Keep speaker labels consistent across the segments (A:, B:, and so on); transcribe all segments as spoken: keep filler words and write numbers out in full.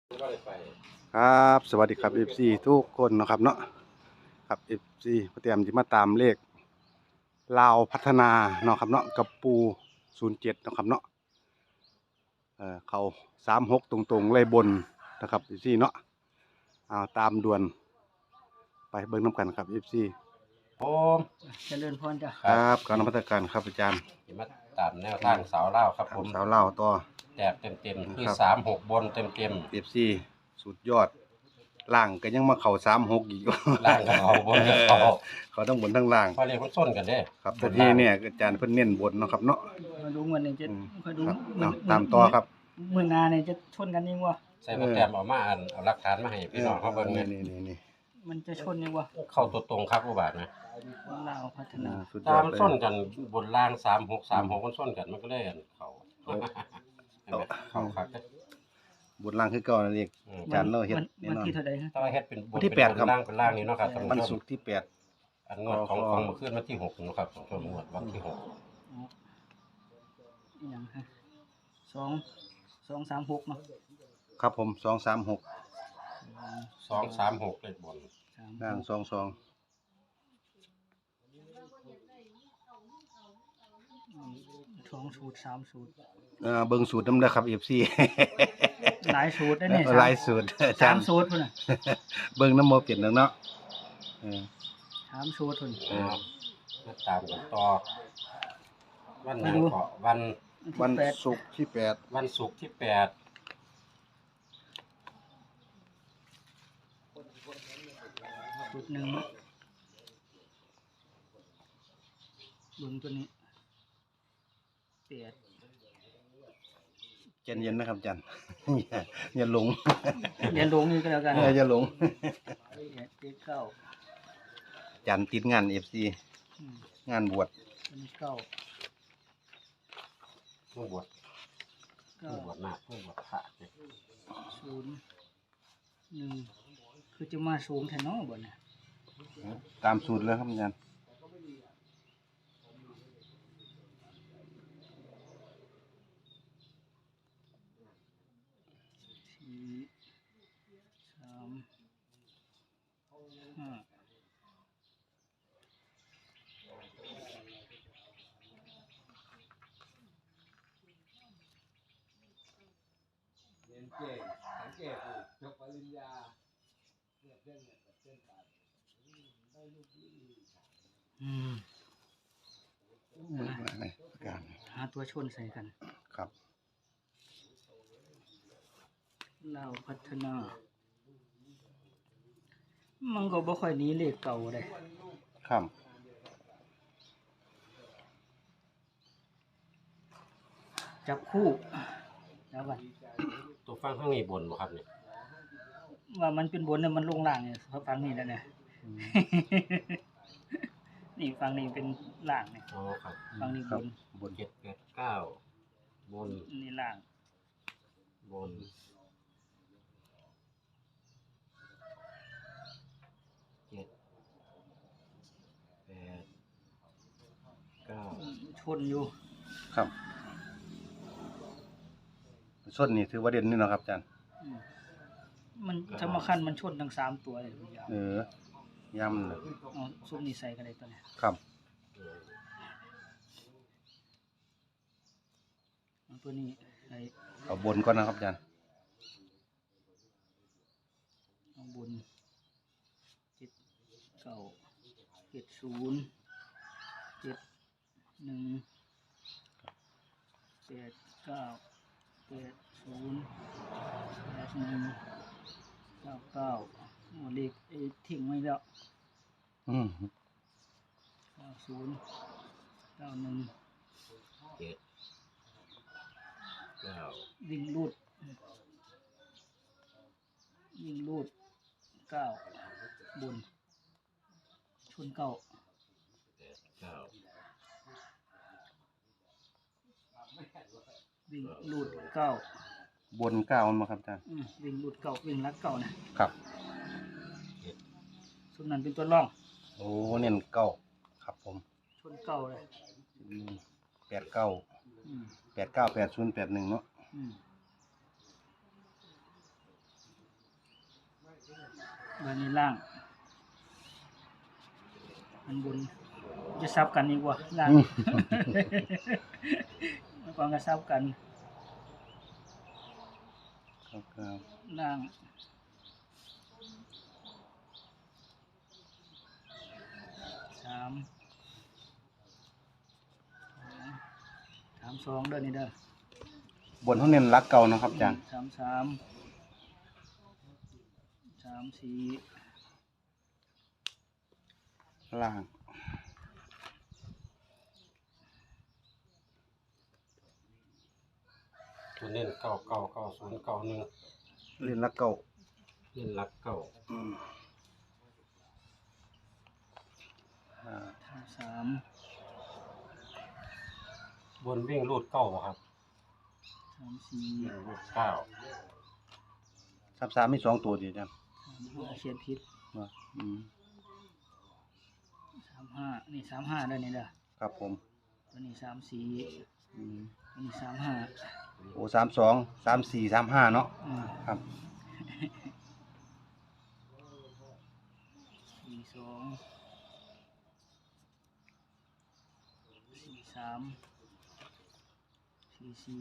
A: ครับสวัสดีครับ เอฟ ซี ทุกคนนะครับเนาะครับ เอฟ ซี มาเตรียมที่มาตามเลขลาวพัฒนาเนาะครับเนาะกับปูศูนย์เจ็ดเนาะครับเนาะเออเขาสามหกตรงๆเลยบนนะครับ เอฟ ซี เนาะเอาตามด่วนไปเบิ่งน้ำกันครับ เอฟ ซี
B: ผม
C: เจริญพรจ้ะ
A: ครับการนมัสการครับอาจารย์
B: มาตามแนวทางสาวเล่าครับผม
A: สาวเล่าวต่อ
B: แจกเต็มเต็มๆคือสามหกบนเต็มเต็ม
A: เอฟ ซี สุดยอดล่างก็ยังมาเข่าสามหกอีก
B: ล่างกับเขาบนกับเขา
A: เขาต้องบนทั้งล่าง
B: พอเรียกคนส้นกันเด้
A: ครับแต่ที่เนี่ยอาจารย์เพิ่นเน้นบนเนาะครับเนาะ
C: มาดูเงินเนี่ยจะ
A: อืม
C: มาดู
A: ครับ
C: มื
A: เอาตามต่อครับ
C: มือนาเนี่ยจะชนกันยังวะ
B: ใส่โปรแกรมเอามาอ่านเอาหลักฐานมาให้พี่น้องเขาเบิ่ง
A: นี่
B: เนี่ย
A: นี่นี่
C: มันจะชนยังวะ
B: เข้าตัวตรงครับผู้บาทนะ
C: ลาวพัฒนา
A: สุดย
B: ตา
A: อด
B: ม
A: เลย
B: ส้นกันบนล่างสามหกสามหกมันส้นกันมันก็เลยอันเขาเห็นไหมเขาคัก
A: บนล่างคือเก่านั่นเอง
B: อืม
A: อาจารย์เราเฮ็ด
C: วัน
A: แน่
C: วัน
A: นอน
C: ที่เท่าใดฮะ
B: ถ้าว่าเฮ็ดเป็นบ
A: วัน
B: น
A: ที่
B: เป็น
A: แปดครับ
B: บนล่างเป็นล่างนี่เนาะครับท่าน
A: วัน
B: ผู้ช
A: ศุ
B: ม
A: กร์ที่แปด
B: อันงวดของของเมื่อคืนวันที่หกนะครับของช่วงงวดวันที่หก
C: อ๋ออหย่างฮะสองสองสามหกเนาะ
A: ครับผมสองสามหก
B: สองสามหกเลขบน
C: สาม
A: ล่างสองสอง
C: สองสูตรสามสูตร
A: เอ่อเบิ่งสูตรน้ำเด้อครับ เอฟ ซี
C: หลายสูตรได้เนี่ย
A: หลายสูตรอาจา
C: สาร ม
A: ย์
C: สูตรพุ่นน่ะ
A: เบิ่งน้ำบ่เปลี่ยนแล้วเนาะเออ
C: สามสูตรพุ่น
B: เออมาตามกันต่อวันหยังก็วัน
A: วัน
C: ที่แปด
A: ศุกร์ที่แปด
B: วันศุกร์ที่แปด
C: สูตรหนึ่งเบิ่งตัวนี้แปด
A: ใจเย็นนะครับอาจารย์ อย่าอย่าหลง
C: เรียนลงนี่ก็แล้วกัน
A: เอออย่าหลง
C: แปดเจ็ดเก้า
A: อาจารย์ติดงาน เอฟ ซี
C: อืม
A: งานบวช
C: อันนี้เก้า
B: เมื่อบวช
C: เก้า
B: เมื่อบวชนาคเมื่อบวชพระเนี่ย
C: ศูนย์หนึ่งคือจะมาสูงแทนเนาะบ่เนี่ย
A: ตามสูตรเลยครับอาจารย์
C: สี่สามห้าอืม
A: เบิ่งว่าไงอาจารย์
C: หาตัวชนใส่กัน
A: ครับ
C: เราพัฒนา มันก็บ่ค่อยหนี้เลขเก่าเลย
A: ครับ
C: จับคู่แล้วกัน
B: ตัวฟังข้างนี้บนบ่ครับเนี่ย
C: ว่ามันเป็นบนเนี่ยมันลงล่างเนี่ยเขาฟังนี่แล้วเนี่ย นี่ฟังนี่เป็นล่างเนี่ย
B: อ๋อครับ
C: ฟังนี่
A: ค
C: บ
A: รับ
C: น
A: บน
B: เจ็ดแปดเก้าบน
C: นี่ล่าง
B: บนเจ็ดแปดเก้า
C: ชนอยู่
A: ครับส้นนี่ถือว่าเด่นนี่เนาะครับอาจารย์
C: อืมมันสำคัญมันชนทั้งสามตัวเลยพี่ยาว
A: เออย่ำเลย
C: เอาซุปนี่ใส่กันเลยตัวเนี้ย
A: ครับ
B: เออ
C: เอาตัวนี้ใส่
A: เอาบนก่อนนะครับอาจารย์
C: ข้างบนเจ็ดเก้าเจ็ดศูนย์เจ็ดหนึ่งแปดเก้าแปดศูนย์แปดหนึ่งเก้าเก้าโอ้เลขไอ้ทิ้งไว้แล้ว
A: อืม
C: เก้าศูนย์เก้าหนึ่ง
B: เจ็ดเก้า
C: วิ่งรูดวิ่งรูดเก้าบนชนเก้า
B: แปดเก้า
C: วิ่งรูดเก้า
A: บนเก้ามันมาครับอาจารย์
C: อืมวิ่งรูดเก้าวิ่งลัดเก้านะครับ
B: เจ็ด
C: ส่วนนั้นเป็นตัวร่อง
A: โอ้เน้นเก้าครับผม
C: ชนเก้าเลย
A: แปดเก้า
C: อืม
A: แปดเก้าแปดศูนย์แปดหนึ่งเนาะ
C: อืมบานนี้ล่างมันบนจะซับกันอีกว่าล่าง
A: อืม
C: มันกองก็ซับกัน
A: ครับครับ
C: ล่างสามสามสองเด้อนี่เด้อบ
A: นเขาเน้นรักเก่านะครับอาจารย์
C: สามสามสามสี่
A: ล่าง
B: ตัวเน้นเก้าเก้าเก้าศูนย์เก้าหนึ่ง
A: เล่นรักเก่า
B: เน้นหลักเก้า
A: อืมอ่า
C: สามสาม
B: บนวิ่งรูดเก้าบ่ครับ
C: สามสี่
B: วิ่งรูดเก้า
A: สามสามมีสองตัวดีอาจารย์
C: สามห้าเขียนผิด
A: ว่าอืม
C: สามห้านี่สามห้าเด้อนี่เด้อ
A: ครับผม
C: ตัวนี้สามสี่
A: อืม
C: ตัวนี้สามห้า
A: โอ้สามสองสามสี่สามห้าเนาะ
C: อืม
A: ครับ
C: สี่สองสี่สามสี่สี่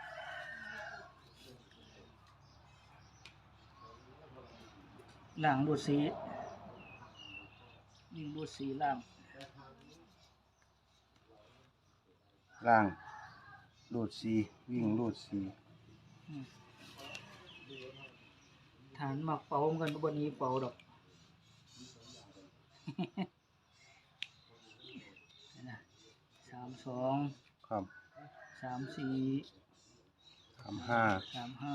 C: ล่างรูดสีวิ่งรูดสีล่าง
A: ล่างรูดสีวิ่งรูดสี
C: อืมฐานหมักเป่าเหมือนกันบนนี้เป่าดอก นะสามสอง
A: ครับ
C: สามสี่
A: สามห้า
C: สามห้า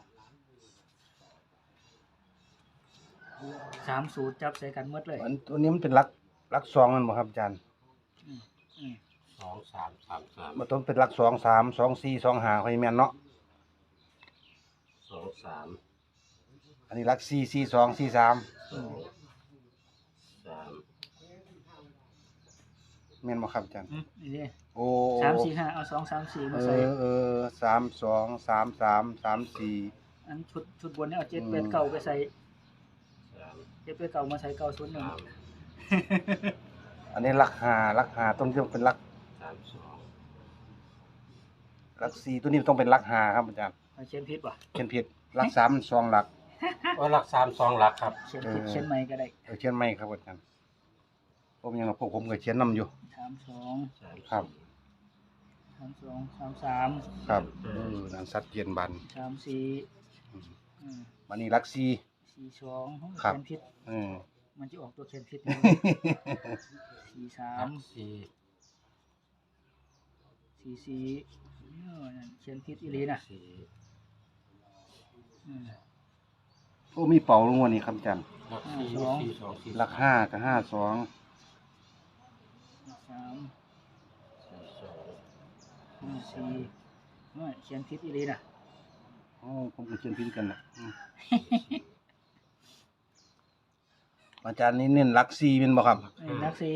C: สามสูตรจับใส่กันหมดเลย
A: อันตัวนี้มันเป็นรักรักสองมันบ่ครับอาจารย์
C: อืมอืม
B: สองสามสามสาม
A: มันต้องเป็นรักสองสามสองสี่สองห้าค่อยแม่นเนาะ
B: สองสาม
A: อันนี้รักสี่สี่สองสี่สาม
C: อืม
B: สาม
A: แม่นบ่ครับอาจารย์
C: อืมนี่ดิ
A: โอ้
C: สามสี่ห้าเอาสองสามสี่มา
A: เอ
C: ใส่
A: อเออสามสองสามสามสามสี่
C: อันชุดชุดบนเนี่ยเอาเจ็ด
A: อืม
C: แปดเก้าไปใส่
B: สาม
C: เจ็ดแปดเก้ามาใส่เก้าศูนย์หนึ่ง
B: สาม
A: อันนี้รักห้ารักห้าต้นที่ต้องเป็นรัก
B: สามสอง
A: รักสี่ตัวนี้ต้องเป็นรักห้าครับอาจารย์
C: เอาเขียนผิดป่ะ
A: เขียนผิดรักสามสองรัก
B: โอ้หลักสามสองหลักครับ
C: เขียนผิด
A: เออ
C: เขียนใหม่ก็ได้
A: เออเขียนไม่ครับอาจารย์ผมยังพวกผมก็เขียนนํอยู่
C: สามสอง
B: สาม
A: ครับ
C: สามสองสามสาม
A: ครับเออนั่นสัตว์เย็นบัน
C: สามสี่
A: อืม
C: อืม
A: วันนี้รักสี่
C: สี่สอง
A: ครับ
C: เขียนผิด
A: เออ
C: มันจะออกตัวเขียนผิด สี่สา
B: หลั
C: ม
B: กสี่
C: สี่สี่เออนั่นเขียนผิดอีหลีนะ
B: สี่
C: อืม
A: โอ้มีเป่าลงวันนี้ครับอาจารย์
B: หลักสี่
C: สอง
B: สี่สองสี่
A: รักห้ากับห้าสอง
C: สาม
B: สี่สอง
C: ห้าสี่เออเขียนผิดอีหลีนะ
A: โอ้ผมก็เขียนผิดกันนะอืมอาจารย์นี่เน้นรักสี่เป็นบ่ครับ
C: เออนักสี่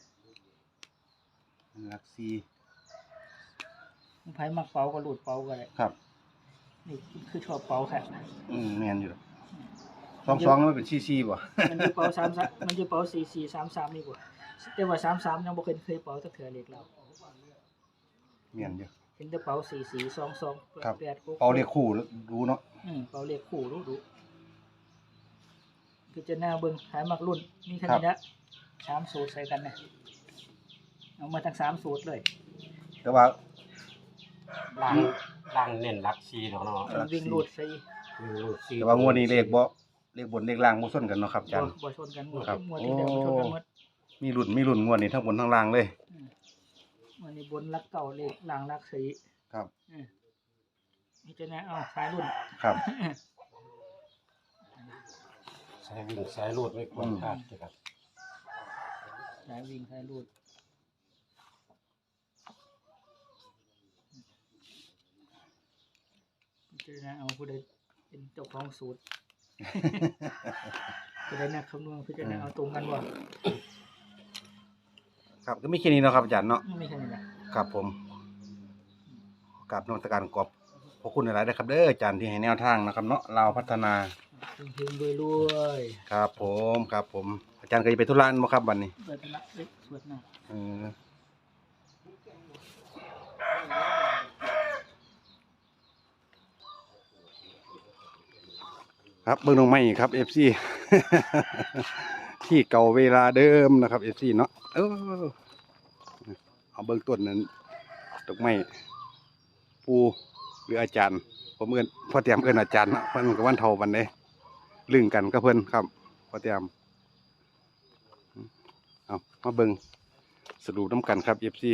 A: รักสี่
C: ไพ่มักเป่าก็หลุดเป่าก็ได้
A: ครับ
C: นี่คือชอบเป่าแค่
A: อืมแม่นอยู่สองสองมันเป็นสี่สี่บ่
C: มันจะเป่าสามสามมันจะเป่าสี่สี่สามสามนี่กว่าแต่ว่าสามสามยังบ่เคยเคยเป่าตั้งเถื่อเล็กเรา
A: แม่นอยู่
C: เห็นแต่เป่าสี่สี่สองสอง
A: ครับ
C: แปดหก
A: เป่าเรียกคู่รู้เนาะ
C: อืมเป่าเรียกคู่รู้ดูคือจะหน้าเบิ่งขายมักรุ่นมีแค่นี้ละสามสูตรใส่กันนะเอามาทั้งสามสูตรเลย
A: แต่ว่า
B: ล่างล่างเน้นหลักสี่เนาะเนาะ
A: หลักสี่
C: วิ่งรูดสี่
B: วิ่งรูดสี่
A: แต่ว่างวดนี้เลขบ่เลขบนเลขล่างบ่ซ้นกันเนาะครับอาจารย์
C: บ่ชนกันหมด
A: ครับ
C: หมดที่เดียวบ่ชนกันหมด
A: มีรุ่นมีรุ่นงวดนี้ทั้งบนทั้งล่างเลย
C: อืมวันนี้บนรักเก่าเลยหลังรักสี
A: ครับ
C: อืมนี่จะนะเอาสายรุ่น
A: ครับ
B: สายวิ่งสายรูดไม่ควรพลาดนะครับ
C: สายวิ่งสายรูดนี่จะนะเอาผู้ใดเป็นเจ้าของสูตร ผู้ใดนักคำนวณผู้ใดนะเอาตรงกันบ่
A: ครับก็มีแค่นี้เนาะครับอาจารย์เนาะ
C: ไม่ใช่นี่แหละ
A: ครับผมกราบนมัสการขอบพระคุณหลายๆนะครับเด้ออาจารย์ที่ให้แนวทางนะครับเนาะเราวพัฒนา
C: โอเคเฮงๆรวย
A: ครับผมครับผมอาจารย์เคยไปธุระบ่ครับวันนี้
C: ๆเปิดละเล็กสวดหน้า
A: เออครับเบิ่งน้องไม้ครับ เอฟ ซี ที่เก่าเวลาเดิมนะครับ เอฟ ซี เนาะเออเอาเบิ่งต้นนั้นดอกไม้ปูหรืออาจารย์ ผมเอิ้นพ่อเตรียมเอิ้นอาจารย์เนาะเพิ่นก็วันเท่าวันใดลึงกันกับเพิ่นครับพ่อเตรียมเอามาเบิ่งสรุปน้ำกันครับ เอฟ ซี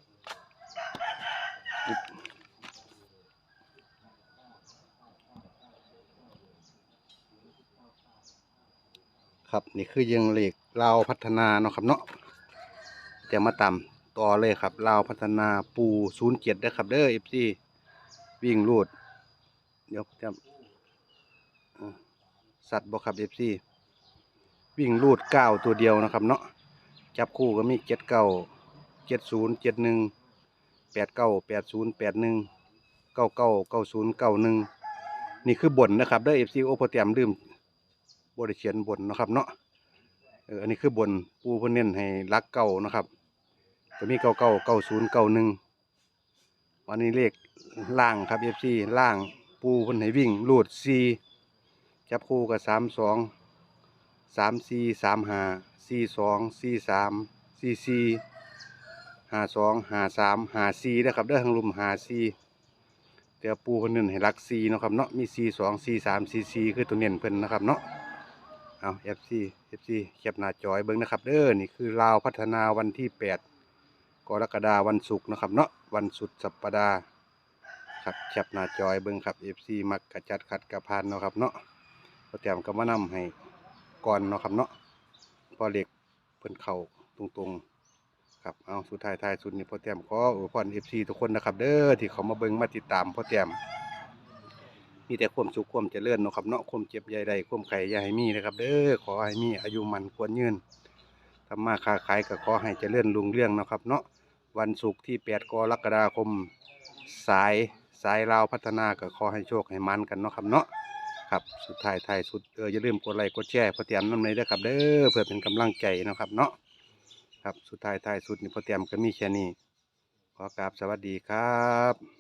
A: ครับนี่คือยังเหล็กลาวพัฒนาเนาะครับเนาะจะมาตามต่อเลยครับลาวพัฒนาปูศูนย์เจ็ดได้ครับเด้อเอฟซีวิ่งรูดเดี๋ยวจะอ่าสัตว์บอกครับเอฟซีวิ่งรูดเก้าตัวเดียวนะครับเนาะจับคู่ก็มีเจ็ดเก้าเจ็ดศูนย์เจ็ดหนึ่งแปดเก้าแปดศูนย์แปดหนึ่งเก้าเก้าเก้าศูนย์เก้าหนึ่งนี่คือบนนะครับเด้อเอฟซีโอโปรแกรมลืมบริเขียนบนนะครับเนาะเอออันนี้คือบนปูเพิ่นเน้นให้รักเก่านะครับจะมีเก้าเก้าเก้าศูนย์เก้าหนึ่งวันนี้เลขล่างครับเอฟซีล่างปูเพิ่นให้วิ่งลูดสี่จับคู่กับสามสองสามสี่สามห้าสี่สองสี่สามสี่สี่ห้าสองห้าสามห้าสี่นะครับเด้อทางลุมห้าสี่เดี๋ยวปูเพิ่นเน้นให้รักสี่เนาะครับเนาะมีสี่สองสี่สามสี่สี่คือตัวเน้นเพิ่นนะครับเนาะเอาเอฟซีเอฟซีแคปหน้าจอยเบิ้งนะครับเด้อนี่คือลาวพัฒนาวันที่แปดกรกฎาคมวันศุกร์นะครับเนาะวันสุดสัปดาห์ครับแคปหน้าจอยเบิ้งครับเอฟซีมักกระจัดขัดกระพานเนาะครับเนาะพอแต้มก็มานำให้ก่อนเนาะครับเนาะพอเหล็กเพิ่นเข่าตรงๆครับเอาสุดท้ายท้ายสุดนี่พอแต้มขออวยพรเอฟซีทุกคนนะครับเด้อที่เขามาเบิ้งมาติดตามพอแต้มมีแต่ความสุขความเจริญเนาะครับเนาะความเจ็บใหญ่ใดความไข่อย่าให้มีนะครับเด้อขอให้มีอายุมันควรยืนทำมาค้าขายก็ขอให้เจริญรุ่งเรืองเนาะครับเนาะวันศุกร์ที่แปดกรกฎาคมสายสายลาวพัฒนาก็ขอให้โชคให้มันกันเนาะครับเนาะครับสุดท้ายท้ายสุดเอออย่าลืมกดไลค์กดแชร์พอเตรียมน้ำในเด้อครับเด้อเพื่อเป็นกำลังใจเนาะครับเนาะครับสุดท้ายท้ายสุดนี่พอเตรียมก็มีแค่นี้ขอกราบสวัสดีครับ